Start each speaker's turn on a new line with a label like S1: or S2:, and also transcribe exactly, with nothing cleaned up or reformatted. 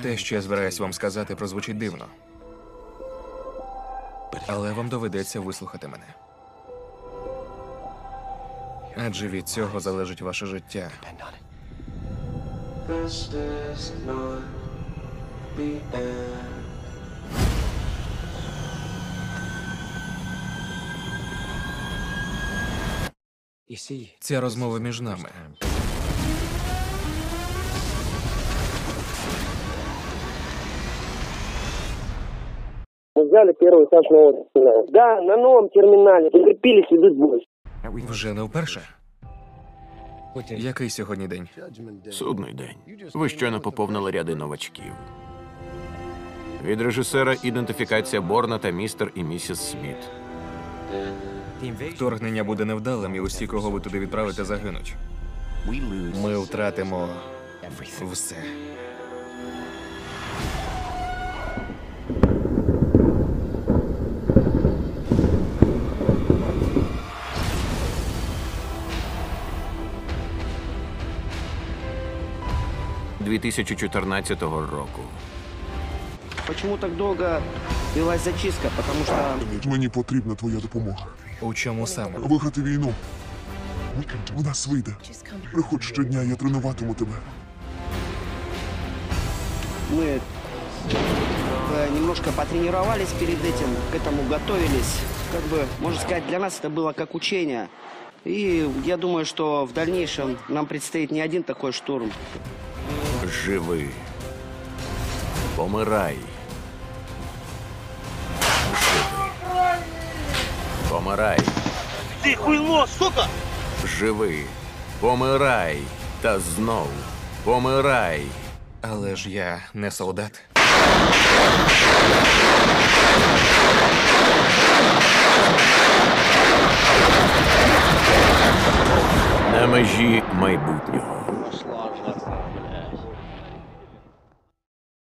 S1: Те, що я збираюсь вам сказати, прозвучить дивно. Але вам доведеться вислухати мене. Адже від цього залежить ваше життя.
S2: This is not the end.
S1: Ця розмова між нами.
S3: Мы взяли первый этаж нового терминала. Да, на новом терминале. Прикрепились, идут бой.
S1: Вже не вперше? Який сьогодні день?
S4: Судний день. Ви щойно поповнили ряди новачків. Від режисера ідентифікація Борна та містер і місіс Сміт.
S1: Вторгнення буде невдалим, і усі, кого ви туди відправите, загинуть. Ми втратимо все.
S4: дві тисячі чотирнадцятого року.
S3: Почему так долго велась зачистка? Потому что...
S5: Мені потрібна твоя допомога.
S1: У чому саме?
S5: Виграти війну. У нас вийде. Приходь щодня, я тренуватиму тебе.
S3: Мы э, немножко потренировались перед этим, к этому готовились. Как бы, можно сказать, для нас это было как учение. И я думаю, что в дальнейшем нам предстоит не один такой штурм.
S4: Живи. Помирай. Живи. Помирай.
S6: Ты хуйло, сука!
S4: Живи. Помирай. Та знов. Помирай.
S1: Але ж я не солдат.
S4: На межі майбутнього.
S6: Пошла жатва, блядь.